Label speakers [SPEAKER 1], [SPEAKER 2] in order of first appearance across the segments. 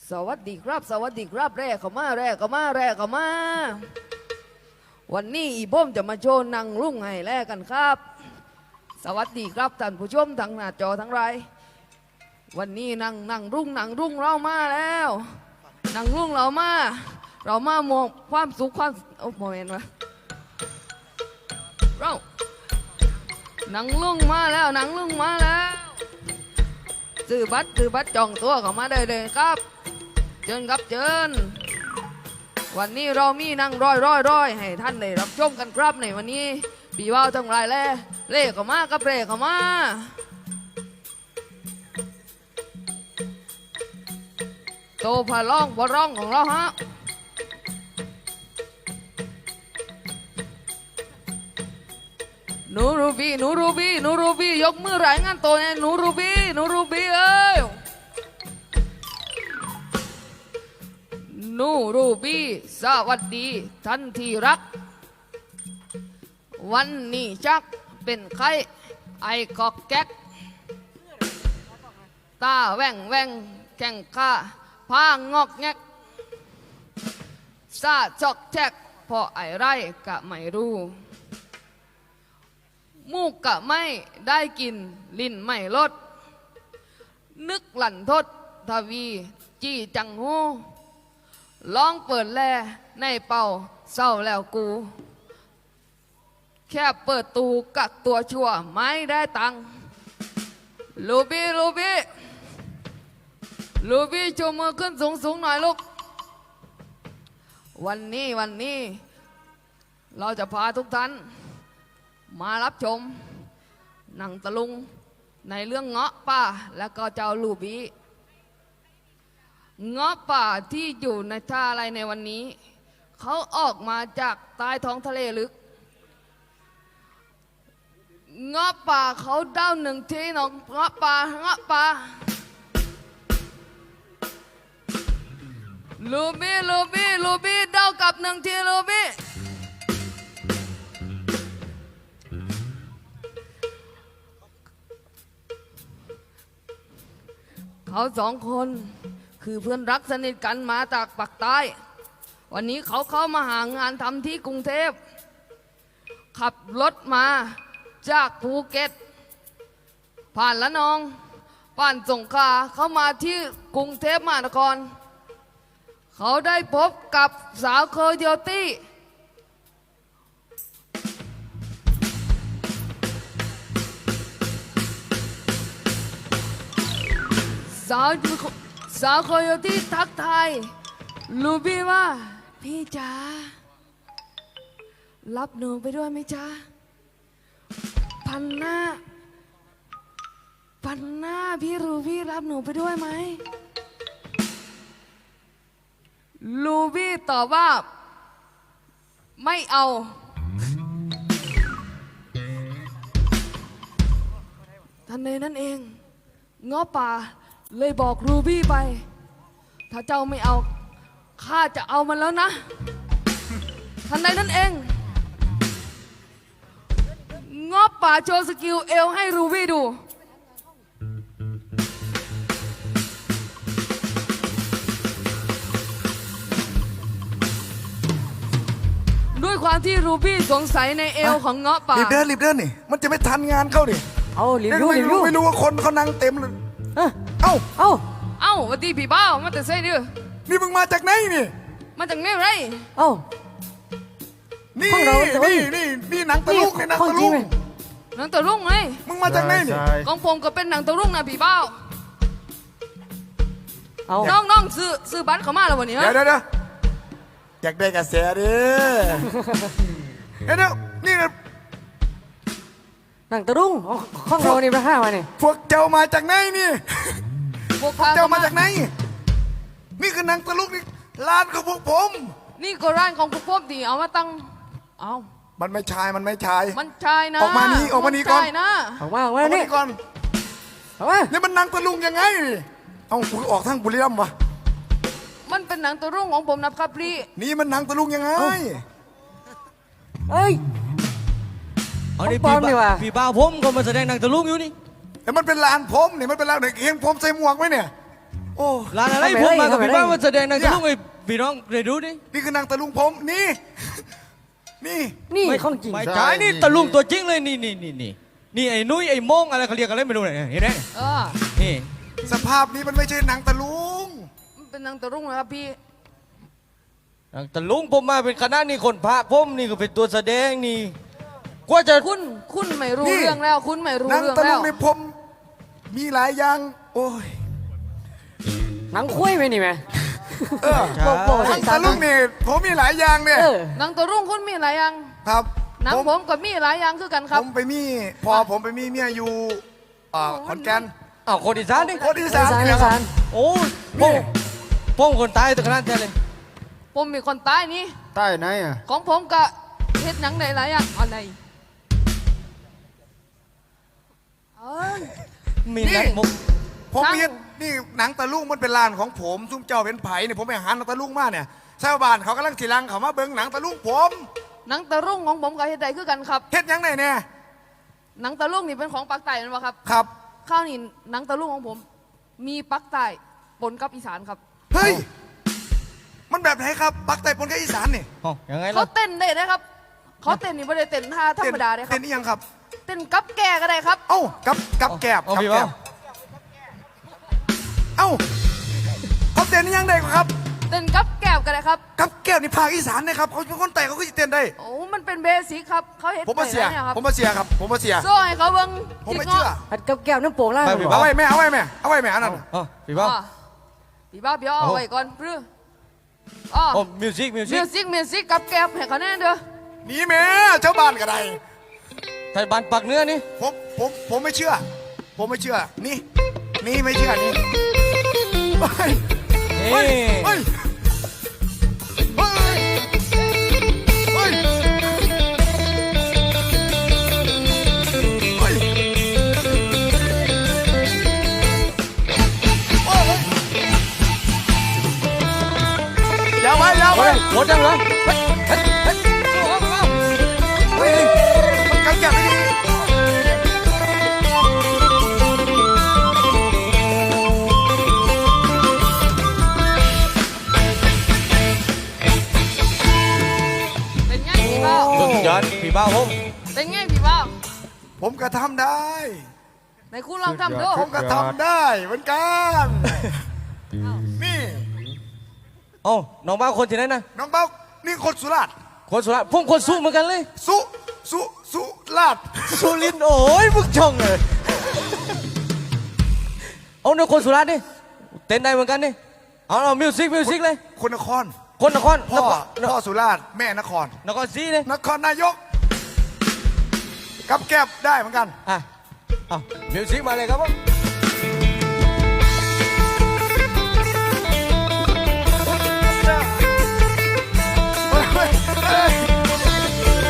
[SPEAKER 1] สวัสดีครับสวัสดีครับแร่เข้ามาแร่เข้ามาแร่เข้ามาวันนี้อีบ้มจะมาโชว์นางรุ่งให้แร่กันครับสวัสดีครับท่านผู้ชมทางหน้าจอทั้งไรวันนี้นางรุ่งเรามาแล้วนางรุ่งเรามามองความสุขความโอ้โหเห็นไหมเรานางรุ่งมาแล้วนางรุ่งมาแล้วซื้อบัตรจองตัวเข้ามาได้เลยครับเชิญครับเชิญวันนี้เรามีนั่งร้อยให้ท่านได้รับชมกันครับในวันนี้ปีว่าวทั้งหลายแล้วเล่เข้ามาครับเล่เข้ามาโตพะร้องของเราฮะหนูรูบี้ยกมือรายงานตัวเนี่ยหนูรูบี้เอ้ยหนูรูบี้สวัสดีท่านที่รักวันนี้จักเป็นใครไอ้กอกแก๊กตาแว่งแข่งข้าพางอกแงกซาจอกแจกพอไอ้ไรกะไม่รู้มูกกะไม่ได้กินลิ้นไม่ลดนึกหลั่นทดทวีจี้จังหูลองเปิดแลในเป่าเศร้าแล้วกูแค่เปิดตูกักตัวชั่วไม่ได้ตังลูบี้ชูมือขึ้นสูงหน่อยลูกวันนี้เราจะพาทุกท่านมารับชมหนังตะลุงในเรื่องเงาะป่าและก็เจ้าลูบี้เงาะป่าที่อยู่ในท่าอะไรในวันนี้เขาออกมาจากใต้ท้องทะเลลึกเงาะป่าเขาเด้าหนึ่งทีน้องเงาะป่าลูบี้เด้ากับหนึ่งทีลูบี้เขาสองคนคือเพื่อนรักสนิทกันมาจากปากใต้วันนี้เขาเข้ามาหางานทำที่กรุงเทพขับรถมาจากภูเก็ตผ่านละนองผ่านสงขลาเข้ามาที่กรุงเทพมหานครเขาได้พบกับสาวโคโยตี้สาวโคโยตี้ทักทายลูบี้ว่าพี่จ๋ารับหนูไปด้วยไหมจ๊ะพันหน้าพี่ลูบี้รับหนูไปด้วยไหมลูบี้ตอบว่าไม่เอาทันใดนั้นเองเงาะป่าเลยบอกลูบี้ไปถ้าเจ้าไม่เอาข้าจะเอามันแล้วนะทันใดนั้นเองเงาะป่าโชว์สกิลเอวให้ลูบี้ดูด้วยความที่รูบี้สงสัยในเอวของเงาะป่า
[SPEAKER 2] รีบเดินนี่มันจะไม่ทันงานเข้าดิ
[SPEAKER 3] เอารีบ
[SPEAKER 2] ไม่รู้ว่าคนเขานั่งเต็มเลยเอ้า
[SPEAKER 1] วันที่พี่บ้าวมาแต่เซ่ดื้อ
[SPEAKER 2] นี่มึงมาจากไหนนี่
[SPEAKER 1] มาจากไหนไร
[SPEAKER 2] นี่หนังตะลุงนี่หนังตะลุง
[SPEAKER 1] ไง
[SPEAKER 2] มึงมาจากไหนนี่
[SPEAKER 1] ของผมก็เป็นหนังตะลุงนะพี่บ้าวน้องซื้อบัตรเข้ามาแล้ววันนี้
[SPEAKER 2] เดี๋ยวอยากได้กระแสดิเดี๋ยวนี่
[SPEAKER 3] หนังตะรุ่งข้องเรานี่มาห้ามาเนี่ย
[SPEAKER 2] พวกเจ้ามาจากไหนนี่พวกเจ้ามาจากไหนนี่คือหนังตะลุงนี่ร้านของพวกผม
[SPEAKER 1] นี่ก็ร้านของพวกผมที่เอามาตั้ง
[SPEAKER 2] มันไม่ชาย
[SPEAKER 1] มันชายนะ
[SPEAKER 2] ออกมานี่ก่อน
[SPEAKER 3] ออกมานี่
[SPEAKER 2] ก่อน
[SPEAKER 3] ออกมา
[SPEAKER 2] นี่มันหนังตะลุงยังไงกูออกทางบุรีรัมย์วะ
[SPEAKER 1] มันเป็นหนังตะลุงของผมนะครับพี่
[SPEAKER 2] นี่มันหนังตะลุงยังไง
[SPEAKER 3] เฮ้ย
[SPEAKER 4] เอาดิพี่บ้าผมก็มาแสดงหนังตะลุงอยู่นี่
[SPEAKER 2] แต่มันเป็นลานผมนี่มันเป็นลานเห็นผมใส่หมวกไหมเนี่ยโอ้
[SPEAKER 4] ร้านอะไรผมมากับพี่บ้ามาแสดงหนังตะลุงไอ้พี่น้องเรดูดิ
[SPEAKER 2] นี่คือนางตะลุงผมนี่ นี่
[SPEAKER 3] นี่
[SPEAKER 4] ไม่
[SPEAKER 3] ของจริง
[SPEAKER 4] ไม่ใช่นี่ตะลุงตัวจริงเลยนี่ไอ้นุ้ยไอ้โมงอะไรเขาเรียกอะไรไม่รู้เนี่ยเห็นไหม
[SPEAKER 1] เออ
[SPEAKER 4] นี่
[SPEAKER 2] สภาพนี้มันไม่ใช่นางตะลุง
[SPEAKER 1] มันเป็นนางตะรุ่งนะครับพี่
[SPEAKER 4] หนังตะลุงผมมาเป็นคณะนี่คนพระผมนี่ก็เป็นตัวแสดงนี่กว่าจะ
[SPEAKER 1] คุณไม่รู้เรื่องแล้ว คุณไม่รู้
[SPEAKER 2] นาง
[SPEAKER 1] เรื่อง
[SPEAKER 2] ตะลุ
[SPEAKER 1] แล้
[SPEAKER 2] ง
[SPEAKER 1] ว
[SPEAKER 2] ในผมมีหลายอย่าง โอ้ย
[SPEAKER 3] หนังคุยไหมนี่แม่
[SPEAKER 2] เออ
[SPEAKER 3] โบ
[SPEAKER 2] นางตะลุงนี่ผมมีหลายอย่างเนี่ย
[SPEAKER 3] เออ
[SPEAKER 1] นางตะรุ่งคุณมีหลายอย่าง
[SPEAKER 2] ครับ
[SPEAKER 1] หนังผมก็มีหลายอย่างคือกันครับ
[SPEAKER 2] ผมไปมีพอผมไปมีเมียอยู่ขอนแก่น
[SPEAKER 4] อ้าวคนอีสานนี่
[SPEAKER 2] โคตรอีสาน
[SPEAKER 3] อี
[SPEAKER 2] นี่แหละค
[SPEAKER 3] สา
[SPEAKER 2] รับ
[SPEAKER 3] น
[SPEAKER 4] โอ้ผมคนตายตัวขนาดนี้เลย
[SPEAKER 1] ผมมีคนตายนี่
[SPEAKER 3] ใต้ไหนอ่ะ
[SPEAKER 1] ของผมก็เฮ็ดหนังหลายๆอย่างอะไรเอ้ย
[SPEAKER 4] มีนักมุก
[SPEAKER 2] ผม
[SPEAKER 1] นาง
[SPEAKER 2] เห็นนี่หนังตะลุงมันเป็นลานของผมซุ่มเจ้าเป็นไผ่เนี่ยผมไปหาหนังตะลุงมาเนี่ยชาวบ้านเขากำลังสีลังเขามาเบิ้งหนังตะลุงผม
[SPEAKER 1] หนังตะรุ่งของผมก็เฮ็ดได้คือกันครับ
[SPEAKER 2] เฮ็ดหยังไงเนี่ย
[SPEAKER 1] หนังตะลุงนี่เป็นของปากใต้นั่นวะครับ
[SPEAKER 2] ครับ
[SPEAKER 1] ข้าวนี่หนังตะลุงของผม มีปากใต้ปนกับอีสานครับ
[SPEAKER 2] เฮ้ยมันแบบไหนครับปักใต้ปนกับอีสานนี่
[SPEAKER 4] อ๋อยังไง
[SPEAKER 1] เขา
[SPEAKER 4] ล่ะ
[SPEAKER 1] เต้นได้นะครับเขาเต้นนี่ไม่ได้เต้นท่าธรรมดาเลยครั
[SPEAKER 2] เต้
[SPEAKER 1] บ
[SPEAKER 2] นนี่ยังครับ
[SPEAKER 1] เต้นกับแก่ก็ได้ครับ
[SPEAKER 2] เอ้ากับแกบ
[SPEAKER 4] เอา
[SPEAKER 2] กับ
[SPEAKER 4] พี่
[SPEAKER 2] แก
[SPEAKER 4] บ้า
[SPEAKER 2] บเอ้าเขาเต้นนี่ยังได้ครับ
[SPEAKER 1] เต้นกับแก่ก็ได้ครับ
[SPEAKER 2] กับแกบนี่ภาคอีสานนะครับเขาเป็นคนแต่เขาก็จะเต้นได้
[SPEAKER 1] โอ้มันเป็นเบสิกครับเขาเฮ็ด
[SPEAKER 2] ผมมาเสีย
[SPEAKER 1] ได้เนี่ยครับ
[SPEAKER 2] ผมมาเสียครับผมมาเสีย
[SPEAKER 1] โซ่ให้เขาเบิ่ง
[SPEAKER 2] ผมไม่เชื่อ
[SPEAKER 3] ผัดกับแก้วน้ำโป่งล่าง
[SPEAKER 4] ไปพี่บ้
[SPEAKER 2] เอาไว้แม่เอาไว้แม่เอาไว้แม่อันนั้นน่ะ
[SPEAKER 4] อ๋อพี่บ้า
[SPEAKER 1] อ๋อพี่บ้าพี่อ้อ
[SPEAKER 4] เอา
[SPEAKER 1] ไว้ก่อนพรื้ออ๋อ
[SPEAKER 4] โอ้มิวสิก
[SPEAKER 1] มิวสิกกับแก่ให้เขาแน่เด้อ
[SPEAKER 2] หนีแม่ชาวบ้านก็ได้
[SPEAKER 4] ไทยบ้านปักเนื้อนี่
[SPEAKER 2] ผมไม่เชื่อ ผมไม่เชื่อ นี่ไม่เชื่อนี่เฮ้ย
[SPEAKER 4] เฮ้
[SPEAKER 2] เฮ้ยเฮ้ยเฮ้ยเฮ้ยอย่าไว้อย่าไว้
[SPEAKER 4] หมดยังเหรอ
[SPEAKER 2] เฮ้ยมันกังจับไม่ดี
[SPEAKER 1] เป็นไงพี่บ้า
[SPEAKER 4] สุดยอดพี่บ้าผม
[SPEAKER 1] เป็นไงพี่บ้า
[SPEAKER 2] ผมก็ทำได้
[SPEAKER 1] ในคุณลองทำดู
[SPEAKER 2] ผมก็ทำได้เหมือนกัน นี่
[SPEAKER 4] เอ้าน้องบ้าคนที่ไหนนะ
[SPEAKER 2] น้องเบ้านี่คนสุราษฎร์
[SPEAKER 4] คนสุราษฎร์ผมคนสู้เหมือนกันเลย
[SPEAKER 2] สุราษฎร์
[SPEAKER 4] สุรินทร์โอ้ยมึงช่องเลยเอาเนี่ยคนสุราษฎร์ดิเต้นได้เหมือนกันนี่เอามิวสิกเลย
[SPEAKER 2] คนนคร
[SPEAKER 4] คนนคร
[SPEAKER 2] พ่อสุราษฎร์แม่นคร
[SPEAKER 4] นครศรีเลย
[SPEAKER 2] นครนายก กับแก็บได้เหมือนกัน
[SPEAKER 4] อ่ะเอามิวสิกมาเลยครับผม
[SPEAKER 2] เฮ้ยเฮ้ยเฮ้ย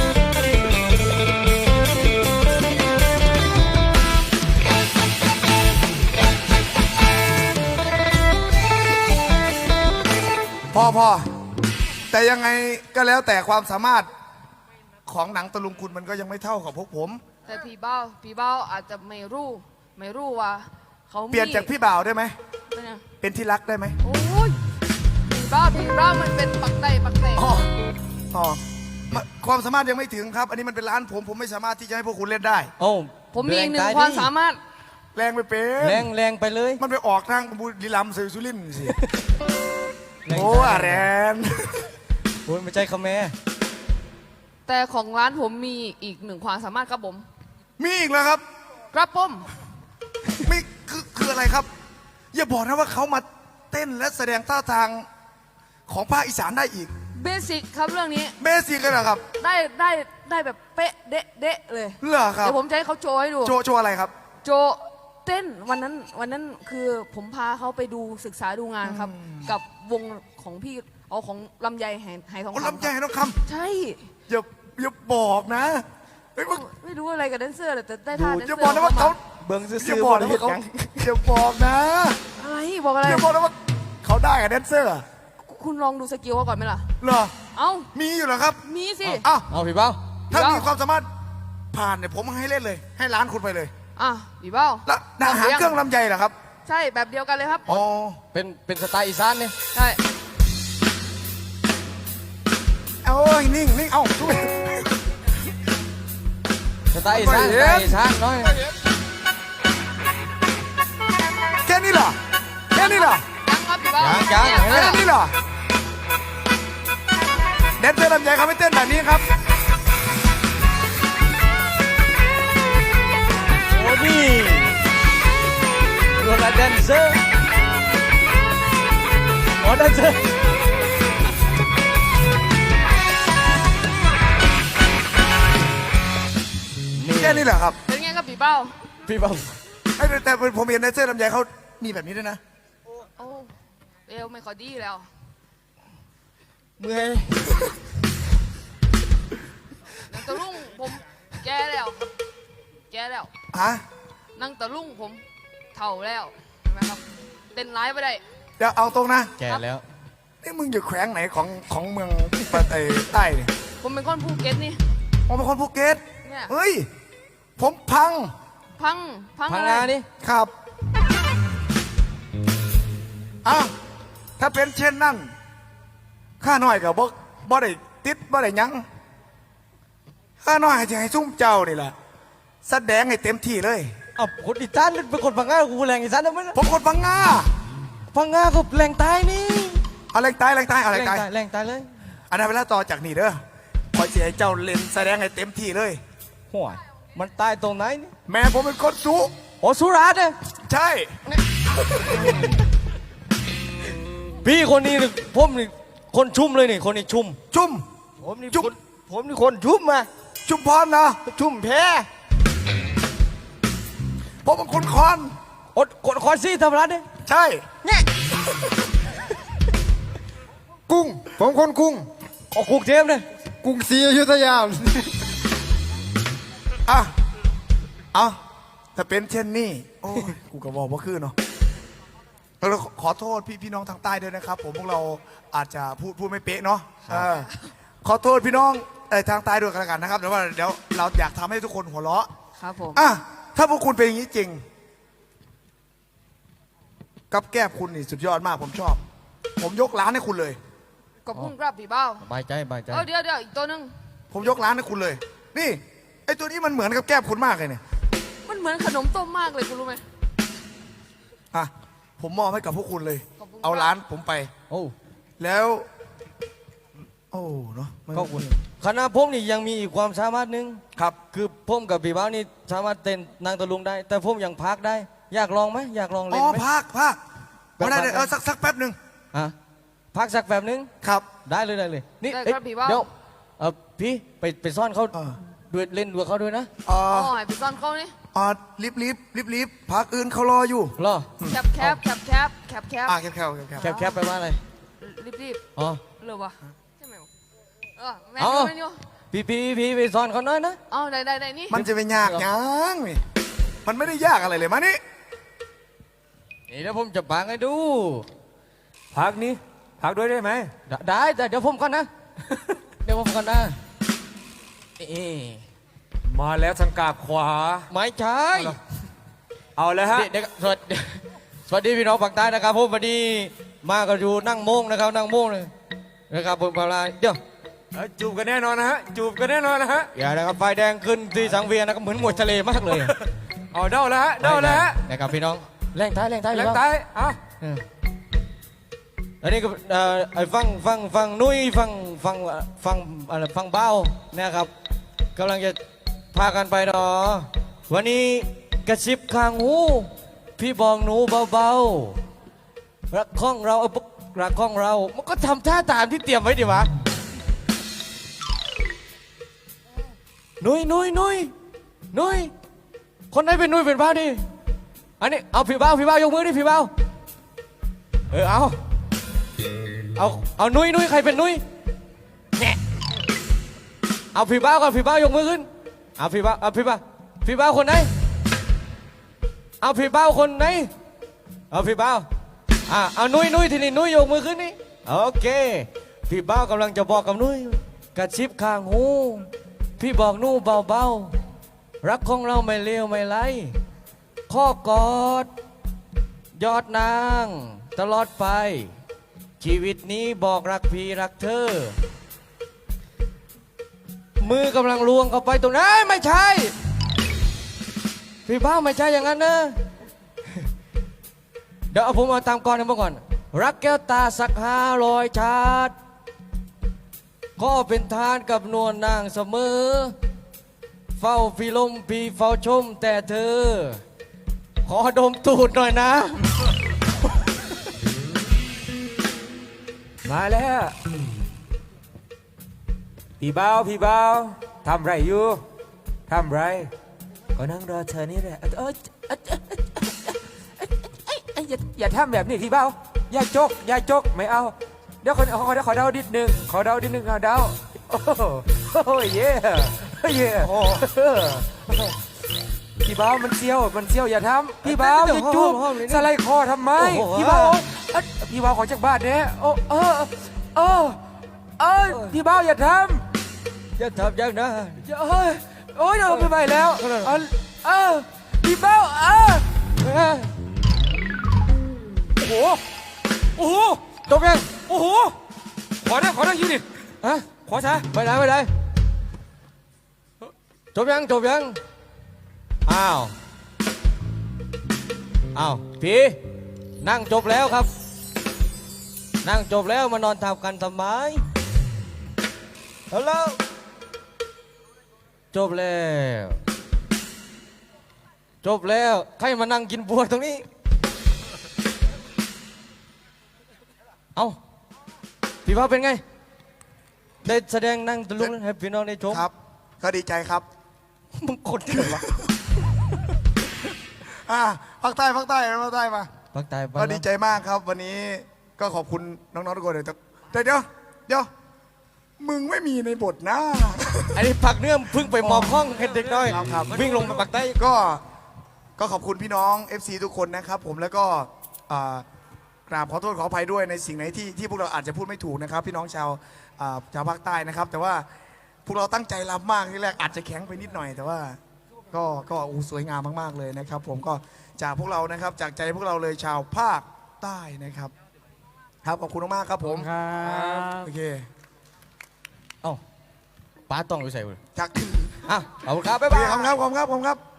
[SPEAKER 2] พอแต่ยังไงก็แล้วแต่ความสามารถของหนังตะลุงคุณมันก็ยังไม่เท่ากับพวกผม
[SPEAKER 1] แต่พี่บ้าอาจจะไม่รู้ว่าเขามี
[SPEAKER 2] เปลี่ยนจากพี่บ่าวได้ไหม
[SPEAKER 1] เป็นไง
[SPEAKER 2] เป็นที่รักได้ไหม
[SPEAKER 1] โอ้ยพี่บ้ามันเป็นปักใต้
[SPEAKER 2] อ๋อความสามารถยังไม่ถึงครับ อันนี้มันเป็นร้านผมไม่สามารถที่จะให้พวกคุณเล่นได้
[SPEAKER 4] โอ้
[SPEAKER 1] ผมมีอีกหนึ่งความสามารถ
[SPEAKER 2] แรงไปเป็น
[SPEAKER 4] แรงไปเลย
[SPEAKER 2] มันไปออกทางบุรีรัมย์สุรินทร์สิ
[SPEAKER 4] แรง
[SPEAKER 2] โอ้แรง
[SPEAKER 4] โอ้ยไม่ใช่คำแม่
[SPEAKER 1] แต่ของร้านผมมีอีกหนึ่งความสามารถครับผม
[SPEAKER 2] มีอีกแล้วครับ
[SPEAKER 1] ครับผม
[SPEAKER 2] มีคืออะไรครับ อย่าบอกนะว่าเขามาเต้นและแสดงท่าทางของภาคอีสานได้อีก
[SPEAKER 1] เบสิกครับเรื่องนี้
[SPEAKER 2] เบสิกเลยเหรอครับ
[SPEAKER 1] ได้แบบเป๊ะเดะเลย
[SPEAKER 2] เหรอครับ
[SPEAKER 1] เดี๋ยวผมจะให้เขาโชว์ให้ดู
[SPEAKER 2] โชว์อะไรครับ
[SPEAKER 1] โจเต้นวันนั้นคือผมพาเขาไปดูศึกษาดูงานครับ กับวงของพี่เอาของลำไยไหทอง
[SPEAKER 2] โอ้
[SPEAKER 1] คำ
[SPEAKER 2] ลำใจ
[SPEAKER 1] ครับ
[SPEAKER 2] น้องค
[SPEAKER 1] ใช่
[SPEAKER 2] ำอย่าบอกนะเฮ้ยมึง
[SPEAKER 1] ไม่รู้อะไรกับแดนเซอร์เลยแต่ได้ท่าแดน
[SPEAKER 2] อ
[SPEAKER 1] เซ
[SPEAKER 2] ย่า
[SPEAKER 1] อร์
[SPEAKER 2] บอกนะว่าเขา
[SPEAKER 4] เบิ้งซื้อ
[SPEAKER 2] อย่าบอกนะว่าเขาอย่าบอกนะ
[SPEAKER 1] อะไรบอกอะไร
[SPEAKER 2] อย่าบอกนะว่าเขาได้กับแดนเซอร์
[SPEAKER 1] คุณลองดูสกิลเขาก่อนไหมล่ะ
[SPEAKER 2] เหรอ
[SPEAKER 1] เอ้า
[SPEAKER 2] มีอยู่เหรอครับ
[SPEAKER 1] มีสิ
[SPEAKER 2] อ้าว
[SPEAKER 4] เอาพี่เบ้า
[SPEAKER 2] ถ้ามีความสามารถผ่านเนี่ยผมให้เล่นเลย ให้ร้านคุณไปเลย
[SPEAKER 1] อ่ะพี่เบ้า
[SPEAKER 2] แล้วหาเครื่องลำไยเหรอครับ
[SPEAKER 1] ใช่แบบเดียวกันเลยครับ
[SPEAKER 2] อ๋อ
[SPEAKER 4] เป็นสไตล์อีสานเนี่ย
[SPEAKER 1] ใช่
[SPEAKER 2] เอ้ยนิ่งนิ่งเอ้าช่วย
[SPEAKER 4] สไตล์อีสาน
[SPEAKER 2] ไม่
[SPEAKER 4] ส
[SPEAKER 2] เห็น
[SPEAKER 4] ไตล์อีสานน้อย
[SPEAKER 2] แค่นี้เหรอแค่นี้เหรอ
[SPEAKER 1] ยังครับพี่เบ้า
[SPEAKER 4] ยัง
[SPEAKER 1] เนี่ย
[SPEAKER 2] แค่นี้เหรอแดนเซอร์ลำไยเขาไม่เต้นแบบนี้ครับ
[SPEAKER 4] โอ้นี่รวมแดนเซอร์โอ้แดนเซอร์
[SPEAKER 2] แค่นี้เหรอครับ
[SPEAKER 1] เป็นไงครับพี่เบ้า
[SPEAKER 4] พี่เบา
[SPEAKER 2] ไอ้แต่ผมเห็นแดนเซอร์ลำไยเขามีแบบนี้ด้วยนะ
[SPEAKER 1] โอ้เอวไม่ค่อยดีแล้ว
[SPEAKER 4] เมื่อย
[SPEAKER 1] นังตะลุงผมแก่แล้วครับแก่แล้ว
[SPEAKER 2] ฮะ
[SPEAKER 1] นังตะลุงผมเฒ่าแล้วเห็นไหมครับเต้นร้ายไปได้
[SPEAKER 2] เดี๋ยวเอาตรงนะ
[SPEAKER 4] แก่แล้ว
[SPEAKER 2] นี่มึงอยู่แขวงไหนของเมืองประเทศใต้เนี่ย
[SPEAKER 1] ผมเป็นคนภูเก็ตนี่
[SPEAKER 2] ผมเป็นคนภูเก็ต
[SPEAKER 1] เนี่ย
[SPEAKER 2] เฮ้ย ผมพัง
[SPEAKER 1] พัง
[SPEAKER 4] พัง
[SPEAKER 1] อะไร
[SPEAKER 4] งานี่
[SPEAKER 2] ครับอ้าวถ้าเป็นเช่นนั้นข้าน้อยกับบ่ได้ติดบ่ได้หยังข้าน้อยจะให้ซุ่มเจ้านี่แหละแสดงให้เต็มที่เลย
[SPEAKER 4] เอ้าคนอีสานเป็นคนพังงากูแรงอีสานทำไมล่ะ
[SPEAKER 2] ผมคนพังงา
[SPEAKER 4] พังงาก็แรงตายนี่
[SPEAKER 2] เอาแรงตายแรงตายเอาแรงตาย
[SPEAKER 4] แรงตายเลย
[SPEAKER 2] อันนั้นเวลาต่อจากนี่เด้อขอเสียให้เจ้าเล่นแสดงให้เต็มที่เลย
[SPEAKER 4] ห่วยมันตายตรงไหนนี่
[SPEAKER 2] แม่ผมเป็นคนสุ
[SPEAKER 4] โอ้สุราษฎร์เนี่ย
[SPEAKER 2] ใช่
[SPEAKER 4] พี่คนนี้นี่ผมนี่คนชุ่มเลยนี่คนนี้ชุ่ม
[SPEAKER 2] จุ่ม
[SPEAKER 4] ผมนี่
[SPEAKER 2] ชุ่ม
[SPEAKER 4] ผมนี่คนชุ่มมา
[SPEAKER 2] จุ่มพรนะ
[SPEAKER 4] ชุ่มแพ้
[SPEAKER 2] ผมเป็นคนคอน
[SPEAKER 4] อดกดคอนซี่ทำร้านเนี่ย
[SPEAKER 2] ใช่
[SPEAKER 3] กุ้ง ผมคนกุ้ง
[SPEAKER 4] ออกกรุงเทพเนี่ย
[SPEAKER 3] กรุงศรีอยุธยา
[SPEAKER 2] อ่ะเอาถ้าเป็นเช่นนี้โอ้ยกูก็บอกว่าคือเนาะเราขอโทษพี่น้องทางใต้ด้วยนะครับ ผมพวกเราอาจจะพูดไม่เป๊ะเนาะขอโทษพี่น้องทางใต้ด้วยกันแล้วกันนะครับเดี๋ยวเราอยากทำให้ทุกคนหัวเราะ
[SPEAKER 1] ครับผม
[SPEAKER 2] อ่ะถ้าพวกคุณเป็นอย่างนี้จริง กับแก้มคุณนี่สุดยอดมากผมชอบ ผมยกร้านให้คุณเลย
[SPEAKER 1] ขอบคุณครับพี่เบ้า
[SPEAKER 4] สบายใจสบายใจ
[SPEAKER 1] เดี๋ยวอีกตัวหนึง
[SPEAKER 2] ผมยกร้านให้คุณเลย นี่ไอตัวนี้มันเหมือนกับแก้มคุณมากเลยเนี่ย
[SPEAKER 1] มันเหมือนขนมต้มมากเลยคุณรู้ไหม
[SPEAKER 2] อ่ะผมมอบให้กับพวกคุณเลย
[SPEAKER 1] ขอบคุณครับ
[SPEAKER 2] เอาร้านผมไป
[SPEAKER 4] โอ้
[SPEAKER 2] แล้ว โอ้เนาะมัน
[SPEAKER 4] ก็คุณคณะผมนี่ยังมีอีกความสามารถหนึง
[SPEAKER 2] ครับ
[SPEAKER 4] คือผมกับพี่บ้าวนี่สามารถเต้นนางตะลุงได้ แต่ผมยังพักได้ อยากลองไหมอยากลอง
[SPEAKER 2] อ๋
[SPEAKER 4] เล่
[SPEAKER 2] อน
[SPEAKER 4] ไหม
[SPEAKER 2] ภาคไม่ได้เลยสักแป๊บหนึ่ง
[SPEAKER 4] ฮะพักสักแบบนึง
[SPEAKER 2] ครับ
[SPEAKER 4] ได้เลยนี่
[SPEAKER 1] ได้
[SPEAKER 4] เอ้ย
[SPEAKER 1] ครับพี่เบ้า
[SPEAKER 4] เดี๋ยวพี่ไปซ่อนเขา
[SPEAKER 2] เออ
[SPEAKER 4] ด้วยเล่นด้วยเขาด้วยนะ
[SPEAKER 2] อ๋อ
[SPEAKER 1] อ๋อให้พี่ซ่อนเขานี่
[SPEAKER 2] รีบพักอื่นเขารออยู่
[SPEAKER 4] เหรอ
[SPEAKER 1] แคบแคบแคบแคบแคบแคบ
[SPEAKER 2] อ่ะแคบ
[SPEAKER 4] แคบไปว่าอะไร
[SPEAKER 1] รีบ
[SPEAKER 4] อ๋อ
[SPEAKER 1] ๆเลยวะใช่ไหมวะแม่
[SPEAKER 4] อ๋อ
[SPEAKER 1] แม่นี่วะ
[SPEAKER 4] พี่ไปซ่อนเขาหน้อยนะ
[SPEAKER 1] เอาได้นี่
[SPEAKER 2] มันจะเป็นยากยังนี่มันไม่ได้ยากอะไรเลยมานี่
[SPEAKER 4] นี่เดี๋ยวผมจะปางให้ดู
[SPEAKER 5] พักนี้พักด้วยได้ไหม
[SPEAKER 4] ได้แต่เดี๋ยวผมก่อนนะ เดี๋ยวผมก่อนนะเอ๊ะ
[SPEAKER 5] มาแล้วทางกาบขวา
[SPEAKER 4] ไม่ใช่
[SPEAKER 5] เอาเลยฮะ
[SPEAKER 4] เด็กสวัสดีพี่น้องฝั่งใต้นะครับผมวันนี้มากันอยู่นั่งโมงนะครับนั่งโมงเลยนะครับผมกำลังเดี๋ยว
[SPEAKER 5] จูบกันแน่นอนนะฮะ จูบกันแน่นอนนะฮะ
[SPEAKER 4] อย่านะครับไฟแดงขึ้นที่สังเวียนนะครับเหมือนมวยทะเลมากเลย
[SPEAKER 5] เอาเด้าแล้วฮะ เด้าแล้วฮะ
[SPEAKER 4] นะครับพี่น้องแรงท้าย
[SPEAKER 5] แร
[SPEAKER 4] พี่
[SPEAKER 5] ง
[SPEAKER 4] น้อง
[SPEAKER 5] ตายเอา
[SPEAKER 4] อันนี้ก็ไอ้ฟังนุ้ยฟังเบ้านะครับกำลังจะพากันไปเนาะวันนี้กระซิบข้างหูพี่บอกหนูเบาๆรักของเรารักของเรามันก็ทำท่าตามที่เตรียมไว้ดิวะนุ้ยคนไหนเป็นนุ้ยเป็นเบ้าดิอันนี้เอาพี่เบ้ายกมือดิพี่เบ้าเอานุ้ยใครเป็นนุ้ยเนี่ยเอาพี่เบ้าก่อนพี่เบ้ายกมือขึ้นเอาพี่เบ้าคนไหนเอาพี่เบ้าคนไหนเอาพี่เบ้าเอานุ้ยทีนี้นุ้ยยกมือขึ้นนี่โอเคพี่เบ้ากำลังจะบอกกับนุ้ยกระชิบข้างหูพี่บอกนู่เบาๆรักของเราไม่เลวไม่ไรข้อกอดยอดนางตลอดไป ชีวิตนี้บอกรักพี่รักเธอ มือกำลังลวงเข้าไปตรงนั้นไม่ใช่ พี่บ้าไม่ใช่อย่างนั้นนะ เดี๋ยวเอาผมเอาตามก่อนนะเมื่อก่อน รักแก้วตาสัก500 ชาติก็เป็นทานกับนวลนางเสมอ เฝ้าพี่ลมพี่เฝ้าชมแต่เธอ ขอดมตูดหน่อยนะ
[SPEAKER 5] มาแล้วพี่เบาทำไรอยู่ทำไรก็นั่งรอเธอนี่แหละอย่าทำแบบนี้พี่เบาอย่าจกไม่เอาเดี๋ยวขอเดาดิดหนึ่งเอาเดาโอ้โหเย่พี่เบามันเซี่ยวอย่าทำพี่เบาอย่าจูบสไลด์คอทำไมพี่เบาพี่เบาขอจากบ้านเนี่ยพี่เบาอย่าทำ
[SPEAKER 4] จะทำอย่างนั้น
[SPEAKER 5] โอ้ยเราไม่ไหวแล้วพี่เบ้าโอ้โห
[SPEAKER 4] จบยัง
[SPEAKER 5] โอ้โหขอได้ยืนดิ
[SPEAKER 4] ฮะ
[SPEAKER 5] ขอช้า
[SPEAKER 4] ไปไหนจบยังอ้าวพี่นั่งจบแล้วครับ นั่งจบแล้วมานอนทับกันทำไมฮัลโหลจบแล้วใครมานั่งกินบัวตรงนี้ เอาพี่ว่าเป็นไง ได้แสดงนั่งตะลุงให้พี่น้องได้ชม
[SPEAKER 2] ครับ ก็ดีใจครับ
[SPEAKER 4] มึงคนเดียววะ
[SPEAKER 2] ภาคใต้มา
[SPEAKER 4] ภาคใต้ไป
[SPEAKER 2] ก็ดีใจมากครับ วันนี้ก็ขอบคุณน้องๆทุกคนเลยแต่เดี๋ยวมึงไม่มีในบทนะ
[SPEAKER 4] อันนี้ผักเนื้อเพึ่งไปมอบห้องเด็กน้อย
[SPEAKER 2] ครับ
[SPEAKER 4] วิ่งลงไปปักใต้
[SPEAKER 2] ก็ขอบคุณพี่น้อง FC ทุกคนนะครับผมแล้วก็กราบขอโทษขออภัยด้วยในสิ่งไหนที่พวกเราอาจจะพูดไม่ถูกนะครับ พี่น้องชาวภาคใต้นะครับ แต่ว่าพวกเราตั้งใจรับมากที่แรกอาจจะแข็งไปนิดหน่อย แต่ว่าก็สวยงามมากๆเลยนะครับ ผมก็จากพวกเรานะครับจากใจพวกเราเลยชาวภาคใต้นะครับครับขอบคุณมากๆครับผม
[SPEAKER 4] ครับ
[SPEAKER 2] โอเค
[SPEAKER 4] เอ้าป้าต้องอยู่ใส่เลย
[SPEAKER 2] จาก
[SPEAKER 4] อ่ะขอบคุณครับบ๊าย
[SPEAKER 2] โอเค
[SPEAKER 4] บาย
[SPEAKER 2] ขอบคุณครับ